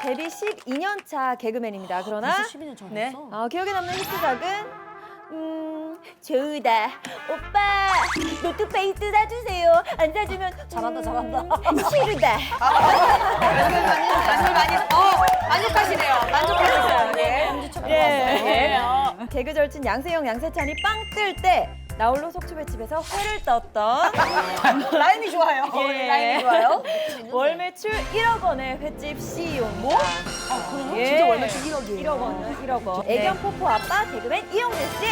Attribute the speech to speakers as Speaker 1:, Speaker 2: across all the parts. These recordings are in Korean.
Speaker 1: 데뷔 12년 차 개그맨입니다. 그러나
Speaker 2: 12년 전에
Speaker 1: 네.
Speaker 2: 했어?
Speaker 1: 기억에 남는 히트작은 좋다. 오빠 노트페이스 사주세요. 안 사주면
Speaker 2: 잘한다.
Speaker 1: 싫다.
Speaker 3: 만족하시네요. 만족하고 있어요. 네.
Speaker 1: 네. 개그 절친 양세형 양세찬이 빵 뜰 때 나홀로 속초배집에서 회를 떴던
Speaker 3: 라임이 좋아요.
Speaker 1: 예.
Speaker 3: 라임이 좋아요.
Speaker 1: 월 매출 1억 원의 횟집 CEO 모.
Speaker 3: 그래요?
Speaker 1: 예.
Speaker 3: 진짜 월 매출 1억이에요.
Speaker 1: 1억 원, 1억 원. 애견 포포 아빠 개그맨 이용진 씨.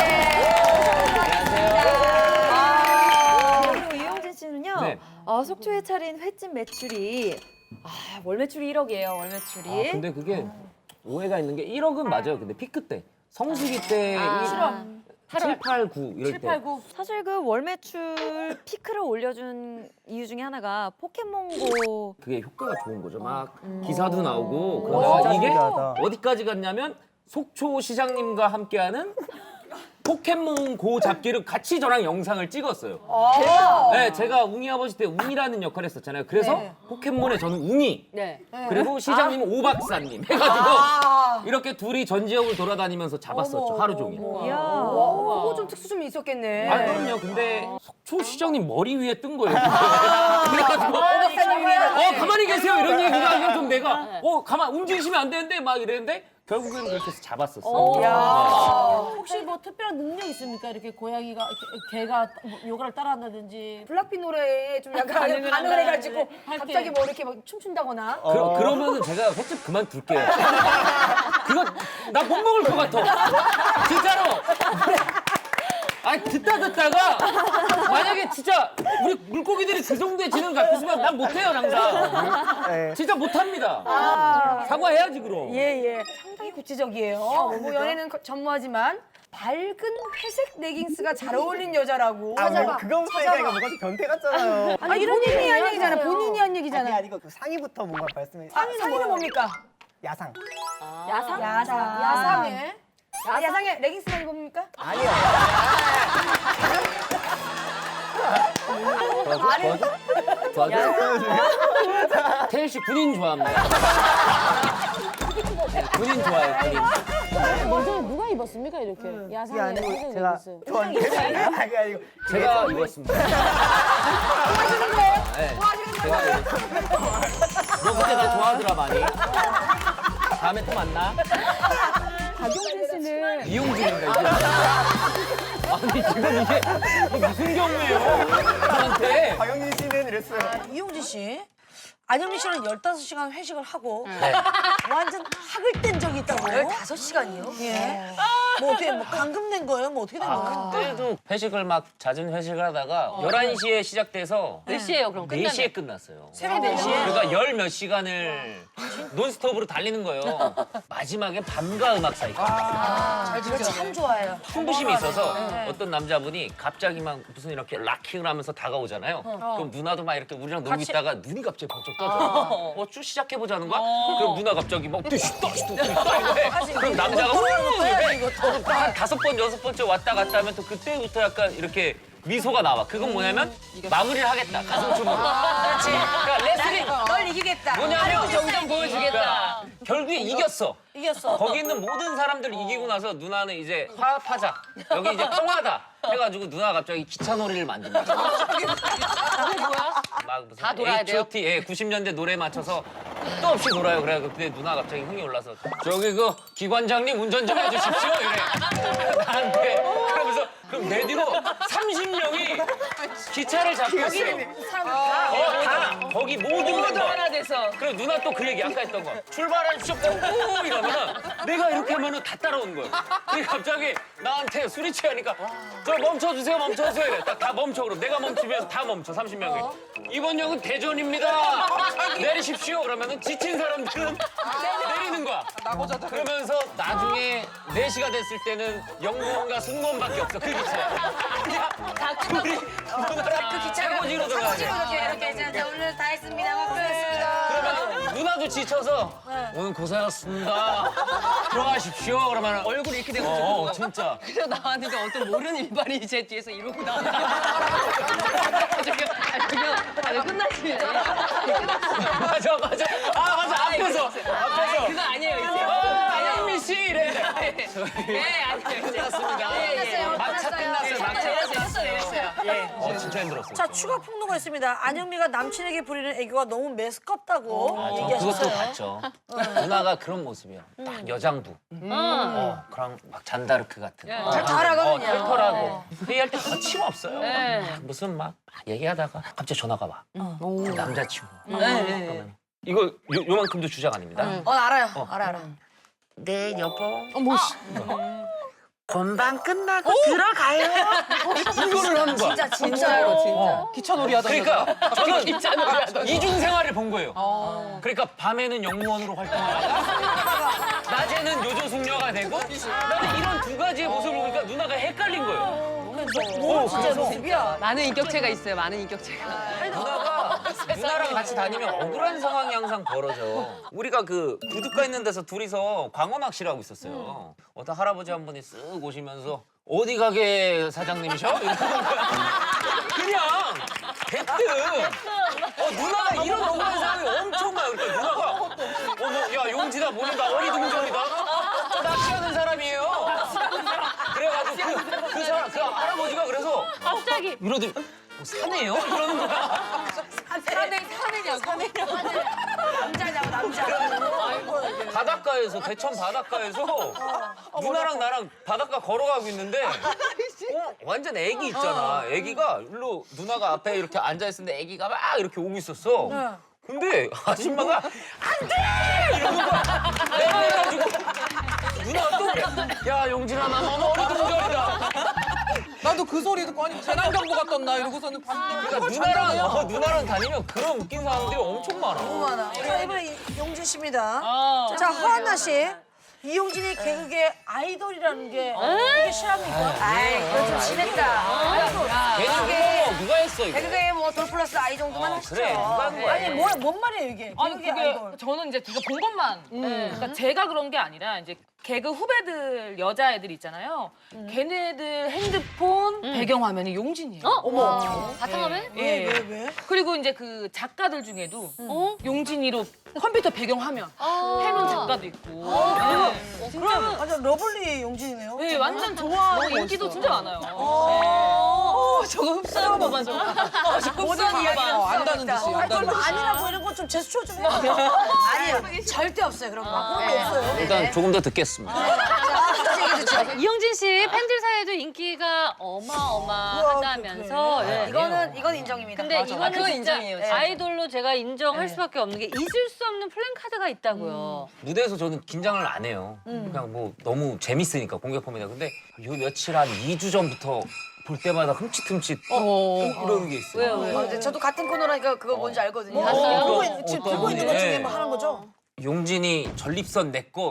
Speaker 1: 그리고 이용진 씨는요.
Speaker 4: 네.
Speaker 1: 속초에 차린 횟집 매출이 월 매출이 1억이에요. 월 매출이.
Speaker 4: 근데 그게 오해가 있는 게 1억은 맞아요. 근데 피크 때. 성수기 때 7, 8, 9 이럴 때.
Speaker 1: 사실 그 월 매출 피크를 올려준 이유 중에 하나가 포켓몬고.
Speaker 4: 그게 효과가 좋은 거죠. 막 기사도 나오고 그러다가 이게
Speaker 5: 신기하다.
Speaker 4: 어디까지 갔냐면 속초 시장님과 함께하는 포켓몬 고 잡기를 같이 저랑 영상을 찍었어요. 네, 제가 웅이 아버지 때 웅이라는 역할을 했었잖아요. 그래서 포켓몬에 저는 웅이,
Speaker 2: 네.
Speaker 4: 그리고 시장님은 오박사님 해가지고 이렇게 둘이 전 지역을 돌아다니면서 잡았었죠. 하루 종일.
Speaker 1: 이야.
Speaker 3: 그거 좀 특수 좀 있었겠네.
Speaker 4: 아, 그럼요. 근데 속초 시장님 머리 위에 뜬 거예요. 그래가지고 가만히 계세요 이런 얘기가 아니라 좀 내가 가만 움직이시면 안 되는데 막 이랬는데 결국에는 그렇게 해서 잡았었어.
Speaker 2: 혹시 뭐 특별한 능력 있습니까? 이렇게 고양이가, 개가 뭐 요가를 따라한다든지.
Speaker 3: 블락비 노래에 좀 약간 반응을 해가지고 갑자기 뭐 이렇게 막 춤춘다거나.
Speaker 4: 그러면은 제가 횟집 그만둘게요. 그거 나 못 먹을 것 같아. 진짜로. 아니 듣다가 만약에 진짜 우리 물고기들이 그 정도의 지능 갖고 있으면 난 못해요 장사.
Speaker 5: 네.
Speaker 4: 진짜 못합니다. 사과해야지 그럼.
Speaker 3: 예. 상당히 구체적이에요. 뭐 연애는 전무하지만 밝은 회색 레깅스가 잘 어울린 여자라고.
Speaker 5: 그거부터 얘기하니까 뭔가 좀 변태 같잖아요.
Speaker 3: 아니 이런 본인이 한 얘기잖아. 본인이 한 얘기잖아.
Speaker 5: 아니 이거 그 상의부터 뭔가 말씀해.
Speaker 3: 상의는 뭡니까?
Speaker 5: 야상.
Speaker 3: 야상에? 야상에 레깅스만 입습니까?
Speaker 5: 아니요.
Speaker 4: 도와줘? 태일 씨 군인 좋아합니다. 네, 군인 좋아해요, 군인.
Speaker 2: 먼저 누가 입었습니까? 이렇게.
Speaker 5: 그게
Speaker 2: 야상에
Speaker 5: 아니고
Speaker 2: 회색
Speaker 5: 제가
Speaker 2: 레깅스.
Speaker 5: 좋아하는데 아니 아니고
Speaker 4: 제가 입었습니다. 네, 제가 입었습니다. 너 그때 나 좋아하더라 많이. 다음에 또 만나.
Speaker 1: 박용진 씨는
Speaker 4: 이용진인가 이게. 아니 지금 이게 무슨 경우예요? 저한테.
Speaker 5: 박영진 씨는 이랬어요.
Speaker 6: 이용진 씨, 안영민 씨는 15시간 회식을 하고
Speaker 4: 네.
Speaker 6: 완전 학을 뗀 적이 있다고.
Speaker 3: 15시간이요?
Speaker 6: 예. 뭐 어떻게 뭐 감금된 거예요? 뭐 어떻게 된 거예요?
Speaker 4: 그때도 회식을 막 잦은 회식을 하다가 11시에 시작돼서
Speaker 2: 몇 시에요, 그럼?
Speaker 4: 4시에 끝났어요.
Speaker 6: 새벽 4시에?
Speaker 4: 그러니까 열 몇 시간을 논스톱으로 달리는 거예요. 마지막에 밤과 음악 사이까지.
Speaker 6: 이거 참 좋아해요.
Speaker 4: 풍부심이 있어서 어떤 남자분이 갑자기 막 무슨 이렇게 락킹을 하면서 다가오잖아요. 그럼 누나도 막 이렇게 우리랑 놀고 있다가 눈이 갑자기 번쩍 떠져요. 쭉 시작해보자는 거야? 그럼 누나 갑자기 막 뚜시뚜 그럼 남자가 한 5번, 6번째 왔다 갔다 하면 또 그때부터 약간 이렇게 미소가 나와. 그건 뭐냐면 마무리를 하겠다. 가슴춤으로. 그렇지. 그러니까 레슬링.
Speaker 3: 널 이기겠다.
Speaker 4: 뭐냐면 정점 보여주겠다. 결국에 이겼어.
Speaker 6: 이겼어.
Speaker 4: 거기 있는 모든 사람들 이기고 나서 누나는 이제 화합하자. 여기 이제 평화다. 해가지고 누나가 갑자기 기차 놀이를 만듭니다. 막 무슨
Speaker 2: 다 놀아야 돼요?
Speaker 4: H.O.T. 예, 90년대 노래에 맞춰서 끝도 없이 놀아요. 그래 그때 누나 갑자기 흥이 올라서 저기 그 기관장님 운전 좀 해주십시오. 이래. 나한테. 그러면서 그럼 내 뒤로 30명이 기차를 잡고 있어요. 다 거기 모든 멤버.
Speaker 2: 하나 돼서.
Speaker 4: 그리고 누나 또 그 얘기 아까 했던 거 출발하십시오 오 이러면은 내가 이렇게 하면은 다 따라오는 거예요. 근데 갑자기 나한테 술이 취하니까 저 멈춰주세요 이래. 딱 다 멈춰. 그럼 내가 멈추면 다 멈춰 30명이. 이번 역은 대전입니다. 내리십시오. 그러면은 지친 사람들은 내리는 거야. 그러면서 나중에 4시가 됐을 때는 영문과 승무원밖에 없어 그 기차에. 둘이 누나랑 최고지로 들어가야 돼.
Speaker 3: 이렇게 자 오늘 다 했습니다. 고맙습니다.
Speaker 4: 그러면 누나도 지쳐서 오늘 고생하셨습니다. 들어가십시오. 그러면
Speaker 7: 얼굴이 이렇게 돼가지고.
Speaker 4: 진짜.
Speaker 7: 그래서 나왔는데 어떤 모르는 일반인이 제 뒤에서 이러고 나왔다. 저기요, 끝났습니다.
Speaker 4: 맞아. 아, 맞아. 앞에서.
Speaker 7: 그거 아니에요, 이제.
Speaker 4: 안영미 씨 이래.
Speaker 7: 네, 아니에요, 이제.
Speaker 4: 끝났습니다. 막차 끝났어요. 막차
Speaker 7: 했어요. 예.
Speaker 4: 진짜 힘들었어요.
Speaker 6: 자, 추가 폭로가 있습니다. 안영미가 남친에게 부리는 애교가 너무 메스껍다고
Speaker 4: 저
Speaker 6: 얘기하셨어요.
Speaker 4: 그것도 봤죠. 누나가 그런 모습이에요. 딱 여장부. 그랑 막 잔다르크 같은.
Speaker 6: 잘하거든요.
Speaker 4: 털털하고. 회의할 때 거침없어요. 무슨 막 얘기하다가 갑자기 전화가 와. 남자친구. 그러면 이거 요만큼도 주작 아닙니다.
Speaker 6: 알아요. 알아.
Speaker 4: 네, 여보. 건방 끝나고 들어가요. 이거를 하는 거야.
Speaker 6: 진짜로 진짜.
Speaker 7: 기차놀이 하던
Speaker 4: 그러니까 저는 이중 생활을 본 거예요. 그러니까 밤에는 영무원으로 활동을 하고 낮에는 요조숙녀가 되고 나는 이런 두 가지의 모습을 보니까 누나가 헷갈린 거예요.
Speaker 6: 진짜 모습이야.
Speaker 7: 많은 인격체가 있어요, 많은 인격체가.
Speaker 4: 누나랑 같이 다니면 억울한 상황이 항상 벌어져. 우리가 그 구두가 있는 데서 둘이서 광어 낚시를 하고 있었어요. 어떤 할아버지 한 분이 쓱 오시면서 어디 가게 사장님이셔? 이러는 거야. 그냥 대뜸. 누나가 이런 억울한 상황이 엄청 많아요. 그러니까 누나가 야 용지다 보니까 어리둥절이다. 저 낚시하는 사람이에요. 그래가지고 그 사람 그 할아버지가 그래서 갑자기 이러더니 사내요? 이러는 거야.
Speaker 6: 남자냐고 남자.
Speaker 4: 바닷가에서 대천 바닷가에서 누나랑 나랑 바닷가 걸어가고 있는데 완전 애기 있잖아. 애기가 일로 누나가 앞에 이렇게 앉아 있었는데 애기가 막 이렇게 오고 있었어. 근데 아줌마가 안 돼! 이러는 거야. 내가 해가지고 누나가 또 그래. 야 용진아 나 너무 어리둥절이다.
Speaker 8: 나도 그 소리 듣고 아니 재난경보 같던 나 이러고서는 봤는데
Speaker 4: 그러니까 누나랑 다니면 그런 웃긴 상황들이 엄청 많아.
Speaker 6: 너무 많아. 자, 이번에 용진 씨입니다. 자, 허한나 씨. 이용진이 개그계 아이돌이라는 게 이게 실합니까?
Speaker 3: 아이, 그거 좀 심했다.
Speaker 4: 개그계 누가 했어 이거?
Speaker 6: 개그계에 뭐 돌플러스 아이 정도만 하시죠.
Speaker 4: 그래 누가 한 거야?
Speaker 6: 아니, 뭔 말이에요, 이게?
Speaker 2: 아니
Speaker 6: 개그계
Speaker 2: 그게
Speaker 6: 아이돌.
Speaker 2: 저는 이제 제가 본 것만 그러니까 제가 그런 게 아니라 이제 개그 후배들 여자애들 있잖아요. 걔네들 핸드폰 배경화면이 용진이에요.
Speaker 6: 어머.
Speaker 2: 바탕화면?
Speaker 6: 왜,
Speaker 2: 예.
Speaker 6: 왜?
Speaker 2: 그리고 이제 그 작가들 중에도 용진이로 컴퓨터 배경화면 해놓은 작가도 있고. 네.
Speaker 6: 그럼 완전 러블리 용진이네요.
Speaker 2: 네, 완전 좋아하고 인기도 진짜 많아요.
Speaker 7: 저거 흡사한 것만 좀.
Speaker 6: 모든 이야기를
Speaker 8: 안다는 듯이
Speaker 6: 그럼
Speaker 8: 안다는 듯이.
Speaker 6: 아니라고 이런 거 좀 제스처 좀 해요. 아니요, 절대 없어요, 그런 거. 그런 거 없어요.
Speaker 4: 일단 조금 더 듣겠습니다.
Speaker 9: 이용진 씨 팬들 사이에도 인기가 어마어마하다면서. 예.
Speaker 6: 이건 인정입니다.
Speaker 9: 근데 이거는
Speaker 7: 그건
Speaker 9: 진짜
Speaker 7: 인정이에요,
Speaker 9: 아이돌로 제가 인정할 수밖에 없는 게 잊을 수 없는 플랜카드가 있다고요.
Speaker 4: 무대에서 저는 긴장을 안 해요. 그냥 뭐 너무 재밌으니까 공격합니다. 근데 요 며칠 한 2주 전부터 볼 때마다 흠칫흠칫 이러는 게 있어요.
Speaker 9: 왜요?
Speaker 6: 저도 같은 코너라니까 그거 뭔지 알거든요.
Speaker 9: 봤어요?
Speaker 6: 지금 들고 있는 것 중에 뭐 하는 거죠?
Speaker 4: 용진이 전립선 내 거.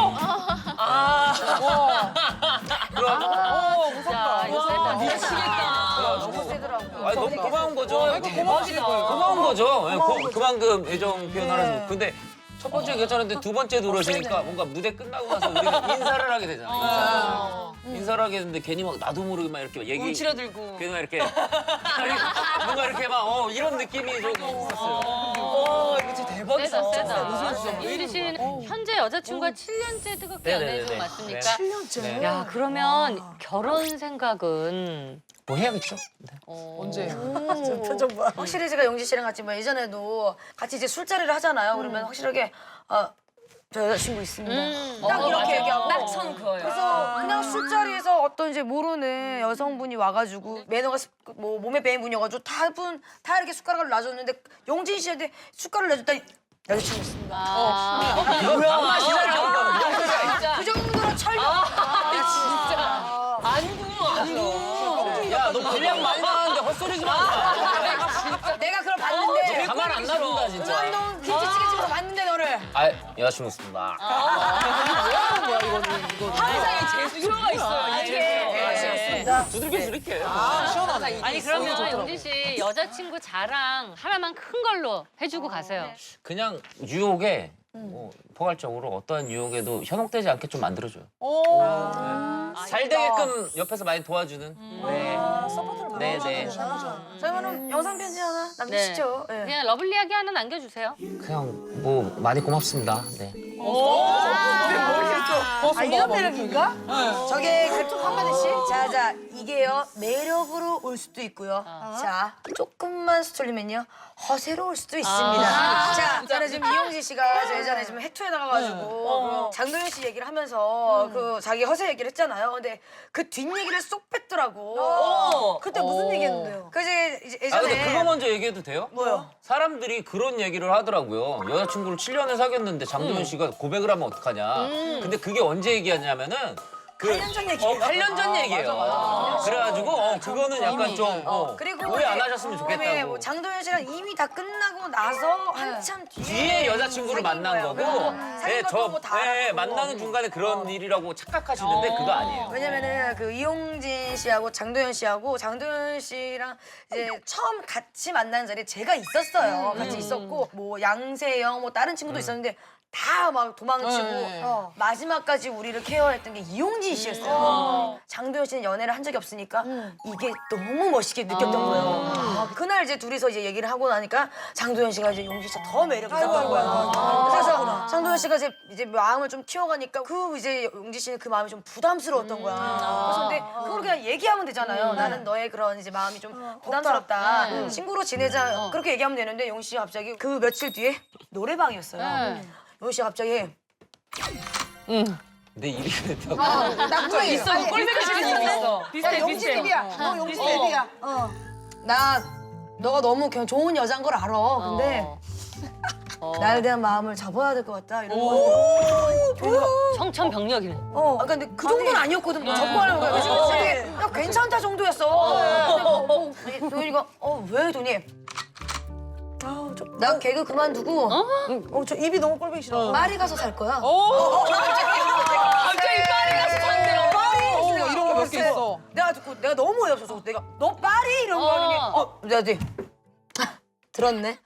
Speaker 9: 진짜 이거 세다.
Speaker 7: 미치겠다.
Speaker 6: 너무 세더라고요.
Speaker 4: 아니 너무 고마운 거죠. 고마운 거죠. 예, 그만큼 애정 표현하는 거. 근데 첫 번째 괜찮은데 두 번째도 그러시니까 뭔가 무대 끝나고 나서 우리가 인사를 하게 되잖아요. 인사를 하게 되는데 괜히 막 나도 모르게 막 이렇게 얘기.
Speaker 7: 움츠러들고.
Speaker 4: 괜히 막 이렇게 뭔가 이렇게 막 이런 느낌이 좀 있었어요.
Speaker 7: 이거 진짜 대박이다.
Speaker 9: 세다. 이용진 씨는 현재 여자친구가 7년째 뜨겁게 연애 중 맞습니까?
Speaker 6: 7년째.
Speaker 9: 야, 그러면 결혼 생각은
Speaker 4: 뭐 해야겠죠? 네.
Speaker 8: 언제?
Speaker 6: 표정 봐. 확실히 제가 영지 씨랑 같이 뭐 예전에도 같이 이제 술자리를 하잖아요. 그러면 확실하게 저 여자친구 있습니다. 딱 이렇게 얘기하고.
Speaker 7: 딱 선 그거예요.
Speaker 6: 그래서 그냥 술자리에서 어떤 이제 모르는 여성분이 와가지고 매너가 뭐 몸에 배인 분이어가지고 다 이렇게 숟가락을 놔줬는데 용진 씨한테 숟가락을 내줬더니 여자친구 있습니다.
Speaker 4: 이거 맛이잖아.
Speaker 6: 그 정도로 철벽.
Speaker 4: 야, 너 분량 많이 나왔는데 헛소리 좀 하지
Speaker 6: 내가 그걸 봤는데
Speaker 4: 마. 가만 안 놔둔다, 진짜.
Speaker 6: 운동 김치찌개집으로 봤는데 너를.
Speaker 4: 아, 여자친구 있습니다.
Speaker 7: 항상 이 제스처가 있어요. 이 제스처.
Speaker 4: 두들겨 줄게.
Speaker 8: 시원하네.
Speaker 9: 아니 그러면 용진 씨 여자친구 자랑 하나만 큰 걸로 해주고 가세요.
Speaker 4: 그냥 유혹에 포괄적으로 어떠한 유혹에도 현혹되지 않게 좀 만들어줘요. 잘 되게끔 옆에서 많이 도와주는. 네. 네, 네.
Speaker 6: 저희는 영상 편지 하나 남기시죠. 네.
Speaker 9: 그냥 러블리하게 하나 남겨주세요.
Speaker 4: 그냥 뭐 많이 고맙습니다. 네.
Speaker 3: 이런 매력인가?
Speaker 6: 저게 그쪽 한마디씩. 자, 이게요 매력으로 올 수도 있고요. 자, 조금만 스쳐리면요 허세로 올 수도 있습니다. 자, 저는 지금 이용진 씨가 저 예전에 지금 해투에 나가가지고 장도연 씨 얘기를 하면서 그 자기 허세 얘기를 했잖아요. 근데 그 뒷얘기를 쏙 뺐더라고.
Speaker 3: 그때 무슨 얘기했는데요?
Speaker 6: 그 이제
Speaker 4: 아
Speaker 6: 예전에
Speaker 4: 근데 그거 먼저 얘기해도 돼요?
Speaker 6: 뭐요?
Speaker 4: 사람들이 그런 얘기를 하더라고요. 여자친구를 7년을 사귀었는데 장도연 씨가 고백을 하면 어떡하냐. 근데 그게 언제 얘기하냐면은
Speaker 6: 8년 전 얘기예요.
Speaker 4: 8년 전 얘기예요. 그래가지고 그거는 약간 좀
Speaker 6: 그리고
Speaker 4: 오해 안
Speaker 6: 이제
Speaker 4: 하셨으면
Speaker 6: 그다음에
Speaker 4: 좋겠다고.
Speaker 6: 뭐 장도연 씨랑 이미 다 끝나고 나서 한참
Speaker 4: 뒤에 여자친구를
Speaker 6: 사귄
Speaker 4: 만난
Speaker 6: 거예요.
Speaker 4: 거고,
Speaker 6: 사귄 것도 뭐다 알았고.
Speaker 4: 만나는 중간에 그런 일이라고 착각하시는데 그거 아니에요.
Speaker 6: 왜냐면은 그 이용진 씨하고 장도연 씨하고 장도연 씨랑 이제 처음 같이 만나는 자리에 제가 있었어요. 같이 있었고 뭐 양세형 뭐 다른 친구도 있었는데 다 막 도망치고 마지막까지 우리를 케어했던 게 이용진 씨였어요. 장도연 씨는 연애를 한 적이 없으니까 이게 너무 멋있게 느꼈던 거예요. 그날 이제 둘이서 이제 얘기를 하고 나니까 장도연 씨가 이제 용진 씨가 더 매력이 있었던 거예요. 그래서 장도연 씨가 이제 마음을 좀 키워가니까 그 이제 용진 씨는 그 마음이 좀 부담스러웠던 거야. 그래서 근데 그걸 그냥 얘기하면 되잖아요. 나는 너의 그런 이제 마음이 좀 부담스럽다. 친구로 지내자. 그렇게 얘기하면 되는데 용진 씨가 갑자기 그 며칠 뒤에 노래방이었어요. 용진 씨가 갑자기
Speaker 4: 내 일이 됐다고.
Speaker 3: 나 그거 있어.
Speaker 2: 꼴배기 있어. 비슷해,
Speaker 3: 용진
Speaker 2: 비슷해.
Speaker 3: 앱이야. 너 용진 앱이야.
Speaker 6: 나 너가 너무 그냥 좋은 여자인 걸 알아. 근데 나에 대한 마음을 접어야 될 것 같다. 이런 거.
Speaker 9: 청천벽력이네.
Speaker 6: 근데 그 정도는 아니었거든. 뭐 접고 하는 거야. 그래서 되게 야, 괜찮다 정도였어. 근데 도현이가 왜 도니? 나 개그 그만두고
Speaker 3: 저 입이 너무 꼴보기 싫어.
Speaker 6: 파리 가서 살 거야.
Speaker 2: 갑자기 파리 가서 산대요.
Speaker 8: 이런 거 몇 개 있어.
Speaker 6: 내가 듣고 내가 너무 어이없어서 내가 너 파리 이런 거 하니 내가 이제 들었네.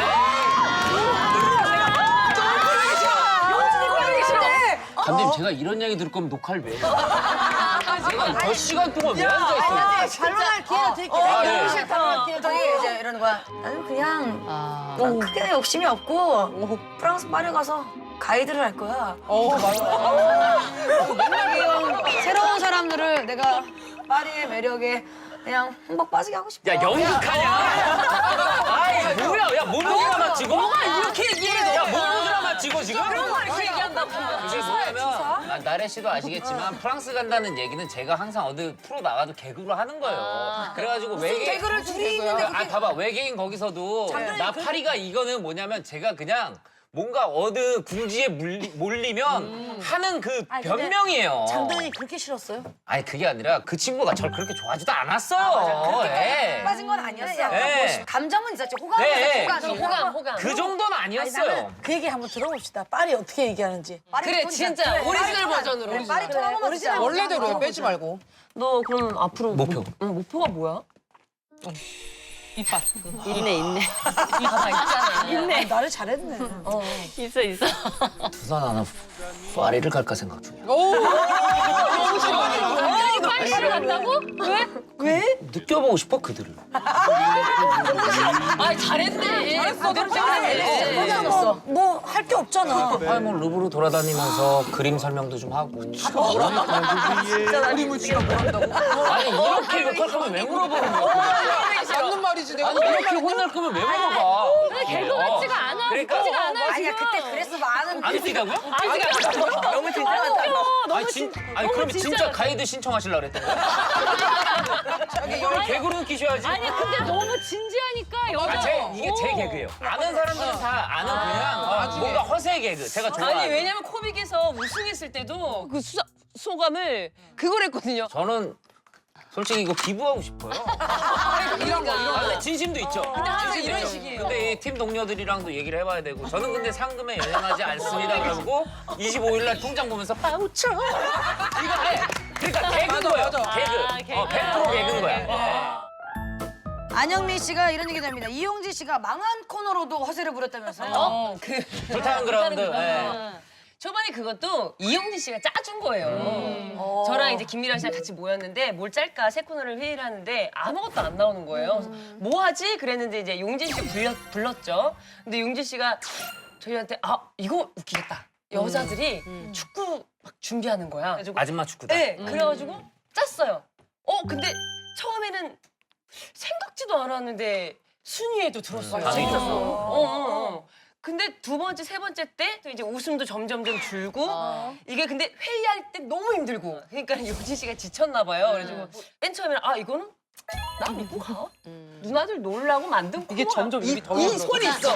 Speaker 4: 감독님 제가 이런 얘기 들을 거면 녹화를 왜 해요? 제가 몇 시간 동안 왜 앉아있어요?
Speaker 3: 반론할 기회를 드릴게요.
Speaker 4: 아, 예.
Speaker 3: 용실 반론할 기회를
Speaker 6: 저기
Speaker 3: 드릴게요.
Speaker 6: 이제 이러는 거야. 나는 그냥 난 크게 욕심이 없고 프랑스 파리 가서 가이드를 할 거야. 새로운 사람들을 내가 파리의 매력에 그냥 흠뻑 빠지게 하고 싶어.
Speaker 4: 야 연극하냐? 아이 뭐야? 야 모노 드라마 찍어? 뭐가 이렇게 얘기해? 야 모노 드라마 찍어 지금?
Speaker 2: 이렇게 얘기한다고.
Speaker 4: 그게 뭐냐면 나래 씨도 아시겠지만 프랑스 간다는 얘기는 제가 항상 어디 프로 나가도 개그로 하는 거예요. 그래가지고 외계인
Speaker 6: 개그를 둘이 있는데
Speaker 4: 봐봐 외계인 거기서도 나 파리가 이거는 뭐냐면 제가 그냥 뭔가 어느 궁지에 몰리면 하는 그 변명이에요.
Speaker 3: 장도연이 그렇게 싫었어요?
Speaker 4: 아니 그게 아니라 그 친구가 저를 그렇게 좋아하지도 않았어요. 예.
Speaker 6: 빠진 건 아니었어.
Speaker 4: 네.
Speaker 6: 감정은 있었지. 호감은
Speaker 4: 네.
Speaker 6: 있었지.
Speaker 2: 호감.
Speaker 4: 그 정도는 아니었어요.
Speaker 3: 그 얘기 한번 들어봅시다. 파리 어떻게 얘기하는지.
Speaker 2: 그래, 진짜 오리지널 버전으로.
Speaker 6: 파리 통 한 번만 진짜.
Speaker 8: 원래대로 해, 빼지 말고.
Speaker 7: 너 그럼 앞으로
Speaker 4: 목표.
Speaker 7: 목표가 뭐야?
Speaker 2: 이빨.
Speaker 9: 있네.
Speaker 3: 있네. 나를 잘했네.
Speaker 9: 있어.
Speaker 4: 부산 하나 파리를 갈까 생각 중이야.
Speaker 9: 파리를 간다고? 왜?
Speaker 4: 느껴보고 싶어 그들을.
Speaker 2: 아, 잘했네. 잘했어. 너무 잘했네.
Speaker 3: 뭐 할 게 없잖아.
Speaker 4: 아니 뭐 루브르 돌아다니면서 그림 설명도 좀 하고.
Speaker 8: 그림을 지금 뭐 한다고?
Speaker 4: 아니 이렇게 욕할 거면 왜 물어보는 거야?
Speaker 8: 맞는 말이지, 내가.
Speaker 4: 아니 이렇게 혼날 거면 왜 물어봐?
Speaker 9: 개그 같지가 않아.
Speaker 4: 그러니까.
Speaker 9: 웃기지가 않아
Speaker 6: 아니야
Speaker 9: 지금.
Speaker 6: 그때 그래서 많은
Speaker 4: 안 웃기다고요?
Speaker 3: 너무 진지하다.
Speaker 4: 아니 그러면 진짜 가이드 신청하시려고 그랬던 거야? 이거를 개그로 웃기셔야지.
Speaker 9: 아니 근데 너무 진지하니까 여자.
Speaker 4: 이게 제 개그예요. 아는 사람들은 다 아는 그냥 뭔가 허세 개그. 제가 좋아하는.
Speaker 7: 아니 왜냐면 코빅에서 우승했을 때도 그 소감을 그걸 했거든요.
Speaker 4: 저는 솔직히 이거 기부하고 싶어요.
Speaker 8: 이런 거.
Speaker 4: 근데 진심도 있죠.
Speaker 7: 근데 항상
Speaker 4: 진심도
Speaker 7: 이런
Speaker 4: 있죠.
Speaker 7: 식이에요.
Speaker 4: 근데 이 팀 동료들이랑도 얘기를 해봐야 되고 저는 근데 상금에 연연하지 않습니다. 그러고 25일 날 통장 보면서 빠우쳐. 이거 해. 그러니까 개그인 거예요.
Speaker 8: 맞아.
Speaker 4: 개그. 100% 개그인 거야.
Speaker 6: 안영미 씨가 이런 얘기도 합니다. 이용진 씨가 망한 코너로도 허세를 부렸다면서요.
Speaker 4: 불타는 그라운드. 예.
Speaker 7: 저번에 그것도 이용진 씨가 짜준 거예요. 저랑 이제 김미라 씨랑 같이 모였는데 뭘 짤까 새 코너를 회의를 하는데 아무것도 안 나오는 거예요. 그래서 뭐 하지? 그랬는데 이제 용진 씨 불렀죠. 근데 용진 씨가 저희한테 이거 웃기겠다. 여자들이 축구 막 준비하는 거야. 그래가지고
Speaker 4: 아줌마 축구다.
Speaker 7: 네, 그래가지고 짰어요. 근데 처음에는 생각지도 않았는데 순위에도 들었어요.
Speaker 4: 아, 진짜?
Speaker 7: 근데 두 번째, 세 번째 때 또 이제 웃음도 점점점 줄고 이게 근데 회의할 때 너무 힘들고 그러니까 용진 씨가 지쳤나 봐요. 그래가지고 맨 처음에는 이거는 나 믿고 가? 누나들 놀라고 만든
Speaker 8: 이게
Speaker 7: 코너야.
Speaker 8: 점점 입이 더
Speaker 7: 이
Speaker 8: 열어져.
Speaker 7: 손이 있어.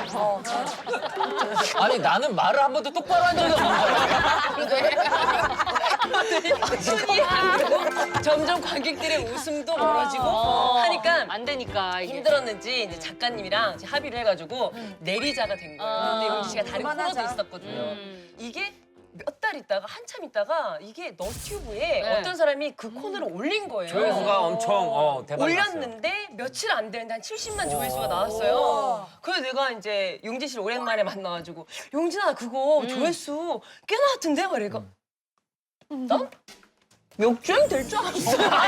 Speaker 4: 아니 나는 말을 한 번도 똑바로 한 적이 없는 거야.
Speaker 7: 손이 안 되고 점점 관객들의 웃음도 멀어지고 하니까
Speaker 9: 안 되니까 이게.
Speaker 7: 힘들었는지 이제 작가님이랑 이제 합의를 해가지고 내리자가 된 거예요. 근데 용진 씨가 다른 코너도 있었거든요. 이게 몇 달 있다가 한참 있다가 이게 너튜브에 어떤 사람이 그 코너를 올린 거예요.
Speaker 4: 조회수가 엄청 대박 났어요.
Speaker 7: 올렸는데 며칠 안 되는데 한 70만 조회수가 나왔어요. 그래서 내가 이제 용진 씨를 오랜만에 만나가지고 용진아 그거 조회수 꽤 나왔던데? 말이니까 난 역주행 될 줄 알았어.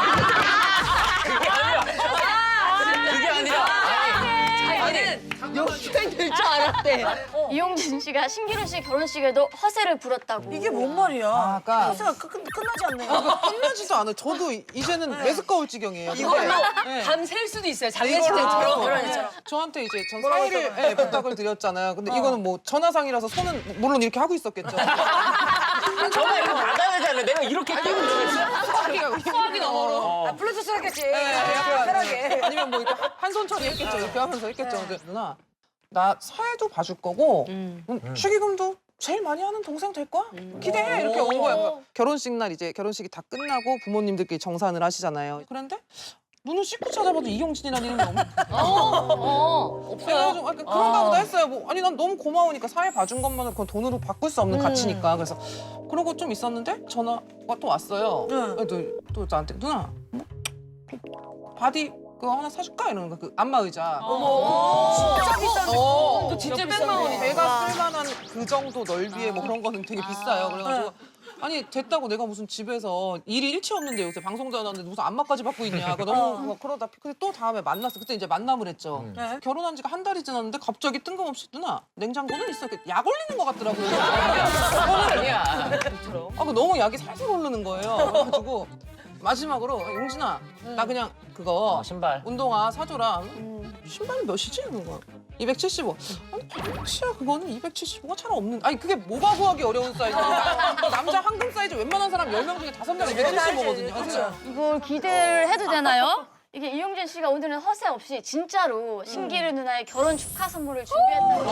Speaker 4: 그게 아니라
Speaker 7: 자기는 역주행 될 줄 알았대.
Speaker 10: 이용진 씨가 신기루 씨 결혼식에도 허세를 부렸다고.
Speaker 3: 이게 뭔 말이야?
Speaker 8: 아까
Speaker 3: 허세가 끝나지 않네요.
Speaker 8: 끝나지도 않아요. 저도 이제는 매스꺼울 지경이에요.
Speaker 7: 이걸로
Speaker 8: 네.
Speaker 7: 밤 셀 수도 있어요. 장례식장처럼.
Speaker 8: 이걸로 저한테 이제 전 사의를 부탁을 드렸잖아요. 근데 이거는 뭐 전화상이라서 손은 물론 이렇게 하고 있었겠죠.
Speaker 4: 전화 이렇게 받아야 되잖아. 내가 이렇게 끼고 주겠어?
Speaker 7: 수학이 너머로.
Speaker 6: 블루투스 했겠지.
Speaker 8: 편하게. 아니면 뭐 이렇게 한 손 처리했겠죠. 이렇게 하면서 했겠죠. 근데 누나 나 사회도 봐줄 거고 축의금도 제일 많이 하는 동생 될 거야? 기대해 이렇게 온 거야. 결혼식 날 이제 결혼식이 다 끝나고 부모님들끼리 정산을 하시잖아요. 그런데 눈을 씻고 찾아봐도 이용진이라는 이름이 없어요. 그래가지고 그런가 보다 했어요. 뭐, 아니 난 너무 고마우니까 사회 봐준 것만은 그건 돈으로 바꿀 수 없는 가치니까. 그래서 그러고 좀 있었는데 전화가 또 왔어요. 또 나한테 누나 뭐, 바디 그거 하나 사줄까 이러는 거야. 그 안마 의자.
Speaker 6: 진짜 비싼데.
Speaker 7: 또 진짜 백만 원이다.
Speaker 8: 배가 쓸만한 그 정도 넓이의 뭐 그런 거는 되게 비싸요. 그래가지고 아니 됐다고 내가 무슨 집에서 일이 일치 없는데 요새 방송 전화하는데 무슨 안마까지 받고 있냐. 너무 그러다 근데 또 다음에 만났어. 그때 이제 만남을 했죠. 결혼한 지가 한 달이 지났는데 갑자기 뜬금없이 누나 냉장고는 있어. 약 올리는 것 같더라고요.
Speaker 4: 아니야.
Speaker 8: 그 너무 약이 살살 오르는 거예요. 그래가지고 마지막으로 용진아 나 그냥 그거
Speaker 4: 신발.
Speaker 8: 운동화 사줘라. 신발은 몇이지? 그런 거야. 275. 아니 반치야 그거는 275가 잘 없는. 아니 그게 뭐가 구하기 어려운 사이즈야. 남자 황금 사이즈 웬만한 사람 10명 중에 5명 275거든요. 그렇죠.
Speaker 10: 이걸 기대를 해도 되나요? 이게 이용진 씨가 오늘은 허세 없이 진짜로 신기루 누나의 결혼 축하 선물을 준비했다고.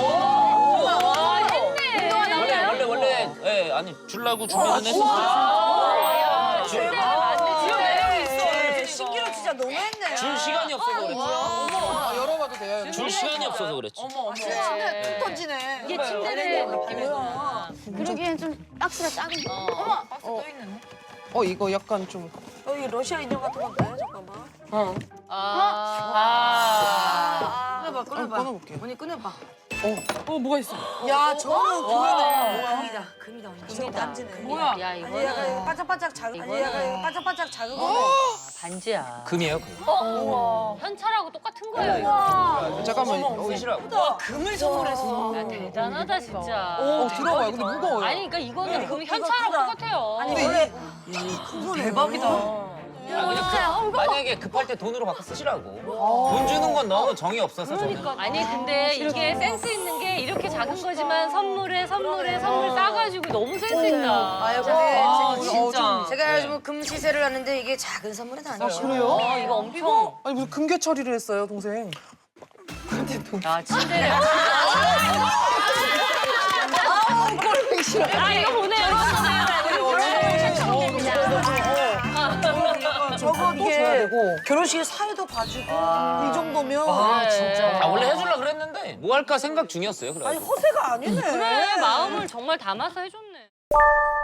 Speaker 4: 원래 아니 주려고 준비는 했었어요.
Speaker 6: 신기루 진짜 너무했네.
Speaker 4: 줄 시간이 없어서 그랬지.
Speaker 8: 열어봐도 돼요.
Speaker 4: 줄 시간이 없어서 그랬지.
Speaker 6: 침대 툭 던지네.
Speaker 9: 이게 침대를 느낌이구나.
Speaker 10: 그러기엔 좀 박스가 작은 거.
Speaker 8: 이거 약간 좀
Speaker 6: 여기 러시아 인형 같은 건가요? 잠깐만. 꺼내봐, 꺼내봐.
Speaker 8: 꺼내볼게요.
Speaker 6: 언니 꺼내봐.
Speaker 8: 뭐가 있어?
Speaker 6: 야, 저는 금이네. 금이다, 언니. 저거 반지네.
Speaker 9: 뭐야? 야
Speaker 6: 아니, 약간
Speaker 9: 이거는
Speaker 6: 반짝반짝 작은. 아니, 약간 반짝반짝 작은 거.
Speaker 9: 반지야.
Speaker 4: 금이에요, 금.
Speaker 9: 현찰하고 똑같은 거예요. 이거.
Speaker 8: 잠깐만.
Speaker 4: 쓰시라고.
Speaker 7: 금을 선물했어.
Speaker 9: 야, 대단하다 진짜.
Speaker 8: 들어봐요. 근데 무거워요.
Speaker 9: 아니 그러니까 이거는 그럼 현찰하고 똑같아요.
Speaker 6: 아니, 원래
Speaker 7: 대박이다.
Speaker 4: 만약에 급할 때 돈으로 바꿔 쓰시라고. 돈 주는 건 너무 정이 없어서 저는.
Speaker 9: 아니 근데 이게 센스 있는 게 이렇게 작은 거지만 선물 싸가지고 너무 센스 있다.
Speaker 6: 아유, 근데
Speaker 7: 진짜.
Speaker 6: 제가 요즘 금 시세를 하는데 이게 작은 선물은 아니에요.
Speaker 8: 그래요?
Speaker 9: 이거 엄청.
Speaker 8: 아니 무슨 금괴 처리를 했어요, 동생.
Speaker 9: 야 침대를. 이거 보내요.
Speaker 6: 저거
Speaker 8: 줘야
Speaker 6: 이게
Speaker 8: 되고.
Speaker 6: 결혼식에 사회도 봐주고 이 정도면
Speaker 9: 진짜.
Speaker 4: 원래 해주려고 그랬는데 뭐 할까 생각 중이었어요. 그래.
Speaker 6: 아니 허세가 아니네.
Speaker 9: 그래 마음을 정말 담아서 해줬네.